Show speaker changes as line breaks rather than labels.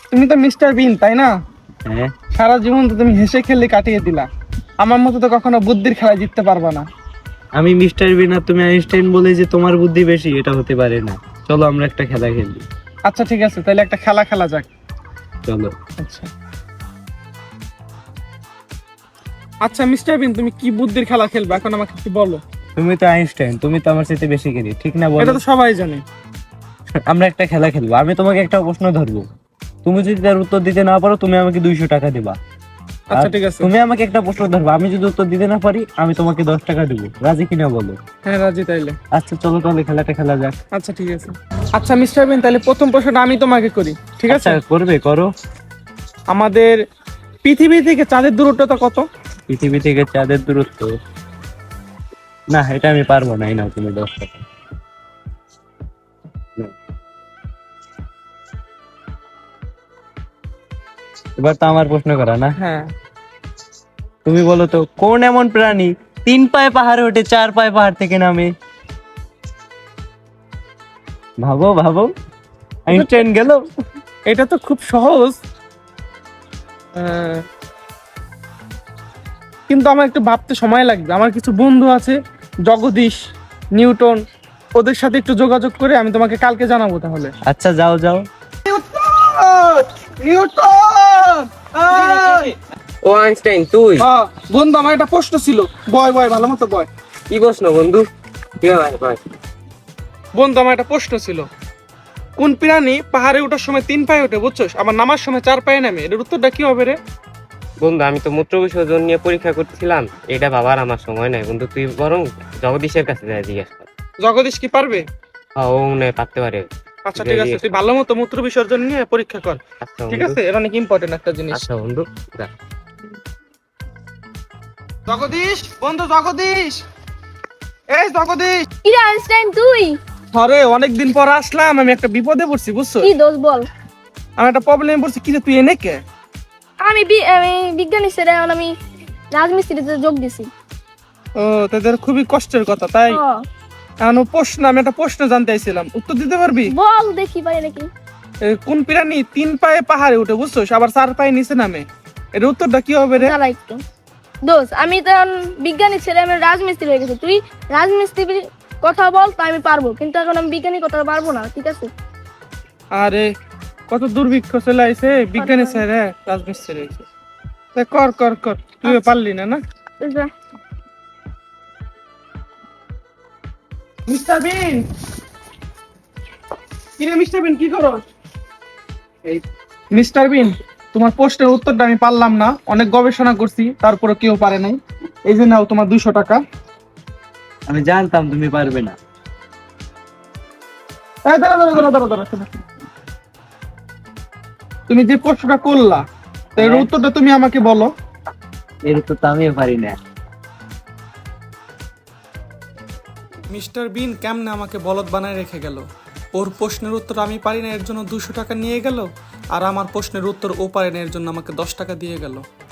তুমি তো মিস্টার বিন, তাই না?
হ্যাঁ।
সারা জীবন তো তুমি হেসে খেলে কাটিয়ে দিলা। আমার মতো তো কখনো বুদ্ধির খেলায় জিততে পারবা না।
আমি মিস্টার বিন আর তুমি আইনস্টাইন বলে যে তোমার বুদ্ধি বেশি, এটা হতে পারে না। চলো আমরা একটা খেলা খেলি।
আচ্ছা ঠিক আছে, তাহলে একটা খেলা খেলা যাক।
চলো।
আচ্ছা আচ্ছা মিস্টার বিন, তুমি কি বুদ্ধির খেলা খেলবে এখন আমাকে একটু বলো।
তুমি তো আইনস্টাইন, তুমি তো আমার সাথে বেশি খেলি, ঠিক না
এটা
বলো?
তো সবাই জানে।
আমরা একটা খেলা খেলবো। আমি তোমাকে একটা প্রশ্ন ধরবো, তুমি যদি তার উত্তর দিতে না পারো তুমি আমাকে 200 টাকা দিবা।
আচ্ছা
আর
ঠিক আছে।
তুমি আমাকে একটা প্রশ্ন ধরবো, আমি যদি উত্তর দিতে না পারি আমি তোমাকে 10 টাকা দেবো। রাজি কিনা বলো?
হ্যাঁ রাজি তাইলে।
আচ্ছা চলো তাহলে খেলাটা খেলা যাক।
আচ্ছা ঠিক আছে। আচ্ছা মিস্টার বিন, তাহলে প্রথম প্রশ্নটা আমি তোমাকে করি, ঠিক আছে?
আচ্ছা, করবে করো।
আমাদের পৃথিবী থেকে চাঁদের দূরত্বটা কত?
পৃথিবী থেকে চাঁদের দূরত্ব, না এটা আমি পারবো না। এই নাও তুমি 10 টাকা। নাও। এবার তো আমার প্রশ্ন করা না?
হ্যাঁ।
তুমি বলো তো, কোন এমন প্রাণী 3 পায়ে পাহাড়ে ওঠে 4 পায়ে পাহাড় থেকে নামে? ভাবো ভাবো, আইনস্টাইন গেল।
এটা তো খুব সহজ। আহ, কিন্তু আমার একটু ভাবতে সময় লাগবে। আমার কিছু বন্ধু আছে, জগদীশ, নিউটন, ওদের সাথে একটু যোগাযোগ করে আমি তোমাকে কালকে জানাবো তাহলে।
আচ্ছা যাও যাও।
নিউটন!
ও আইনস্টাইন তুই?
হ্যাঁ, বন্ধু আমার একটা প্রশ্ন ছিল। বয় বয়, ভালো মতো বয়।
কি প্রশ্ন বন্ধু? কি ভাই ভাই?
বন্ধু আমার একটা প্রশ্ন ছিল, কোন প্রাণী পাহাড়ে ওঠার সময় 3 পায়ে ওঠে বুঝছস, আবার নামার সময় 4 পায়ে নামে? এর উত্তরটা কি হবে রে?
বন্ধু আমি তো মূত্র বিসর্জন নিয়ে পরীক্ষা করতেছিলাম, এটা বাবার আমার সময় নাই বন্ধু, তুই বরং জগদীশের কাছে যাই জিজ্ঞেস কর।
জগদীশ কি পারবে?
হ্যাঁ, ও মনে হয় পারতে পারে।
আচ্ছা ঠিক আছে, তুই ভালো মতো মূত্র বিসর্জন নিয়ে পরীক্ষা কর,
আচ্ছা
ঠিক
বন্ধু।
আছে? এটা অনেক ইম্পর্টেন্ট একটা জিনিস।
আচ্ছা বন্ধু, যা।
জগদীশ, বন্ধু জগদীশ, এই জগদীশ।
কি রে আইনস্টাইন তুই?
আরে অনেকদিন পর আসলাম, আমি একটা বিপদে পড়ছি বুঝছো।
কি দোষ বল?
আমি একটা প্রবলেমে পড়ছি। কি রে তুই এনে কে?
আমি বিজ্ঞানী স্যার, এখন আমি রাজমিস্ত্রিতে যোগ দিছি।
ও, তাদের খুবই কষ্টের কথা তাই।
ও,
এখন প্রশ্ন, আমি একটা প্রশ্ন জানতে চাইছিলাম, উত্তর দিতে পারবি?
বল দেখি পারি নাকি।
কোন প্রাণী 3 পায়ে পাহাড়ে উঠে বুঝছো, আবার 4 পায়ে নিচে নামে? এর উত্তরটা কি হবে রে?
দাঁড়া একটু। দোষ, আমি তো এখন বিজ্ঞানী ছেলে, আমি রাজমিস্ত্রি হয়ে গেছি। তুই রাজমিস্ত্রির কথা বল, তা আমি পারবো, কিন্তু এখন আমি বিজ্ঞানী কথা পারবো না, ঠিক আছে?
আরে কত দুর্ভিক্ষ চলে আইছে, বিজ্ঞানী স্যার রাজমিস্ত্রি হয়েছে। তা কর কর কর, তুই
আচ্ছা।
পারলি না না?
যা।
মিস্টার বিন, কি রে মিস্টার বিন, কি করো? এই মিস্টার বিন, তোমার প্রশ্নের উত্তরটা আমি পারলাম না, অনেক গবেষণা করছি তারপরে কেউ পারে নাই। এই যে নাও তোমার 200 টাকা।
আমি জানতাম তুমি পারবে না।
এই দাঁড়া দাঁড়া দাঁড়া দাঁড়া দাঁড়া, শোনো। তুমি যে প্রশ্নটা করলা, তো এর
হ্যাঁ।
উত্তরটা তুমি আমাকে বলো।
এর উত্তর তো আমিও পারি না।
মিস্টার বিন কেমনে আমাকে বলদ বানায় রেখে গেল? ওর প্রশ্নের উত্তর আমি পারি না এর জন্য 200 টাকা নিয়ে গেল, আর আমার প্রশ্নের উত্তর ও পারে না এর জন্য আমাকে 10 টাকা দিয়ে গেল।